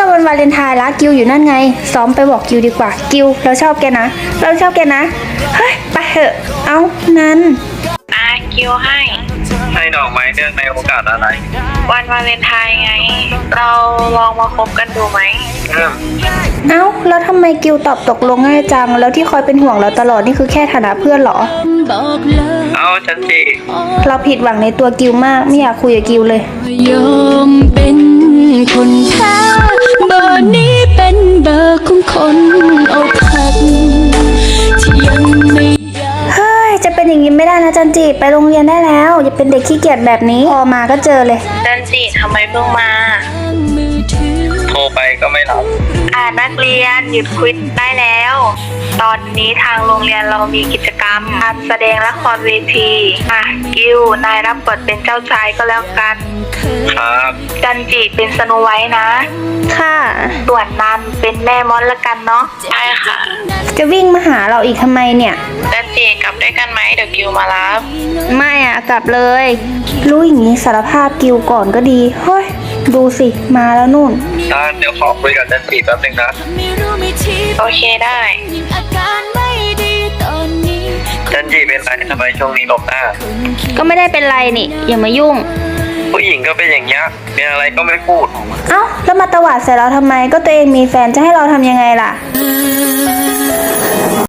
วันวาเลนไทน์ละกิวอยู่นั่นไงซ้อมไปบอกกิวดีกว่ากิวเราชอบแกนะเราชอบแกนะเฮ้ยไปเถอะเอานั้นกิวให้ดอกไม้เนื่องในโอกาสอะไรวันวาเลนไทน์ไง เราลองมาคบกันดูไหมเอ้าแล้วทำไมกิวตอบตกลงง่ายจังแล้วที่คอยเป็นห่วงเราตลอดนี่คือแค่ฐานะเพื่อนเหรอเอาจันจีเราผิดหวังในตัวกิวมากไม่อยากคุยกับกิวเลยยอมเป็นคนแพ้เบอร์นี้เป็นเบอร์ของคนอกหักที่ยังไม่เฮ้ยจะเป็นอย่างนี้ไม่ได้นะจันจิไปโรงเรียนได้แล้วอย่าเป็นเด็กขี้เกียจแบบนี้พอมาก็เจอเลยจันจิทำไมเพิ่งมาโทรไปก็ไม่รับนักเรียนหยุดคุยได้แล้วตอนนี้ทางโรงเรียนเรามีกิจกรรมการแสดงละครเวทีกิวนายรับบทเป็นเจ้าชายก็แล้วกันครับจันจิเป็นสโนไวท์นะค่ะส่วนนันเป็นแม่มดละกันเนาะใช่ค่ะจะวิ่งมาหาเราอีกทำไมเนี่ยจันจิกลับด้วยกันไหมเดี๋ยวกิวมารับไม่กลับเลยรู้อย่างนี้สารภาพกิวก่อนก็ดีเฮ้ยดูสิมาแล้วนู่นเดี๋ยวขอคุยกับจันจีแป๊บนึงนะโอเคได้จันจีเป็นไรทำไมช่วงนี้หลบหน้าก็ไม่ได้เป็นไรนี่อย่ามายุ่งผู้หญิงก็เป็นอย่างเงี้ยเป็นอะไรก็ไม่พูดเอ้าแล้วมาตวาดใส่เราทำไมก็ตัวเองมีแฟนจะให้เราทำยังไงล่ะ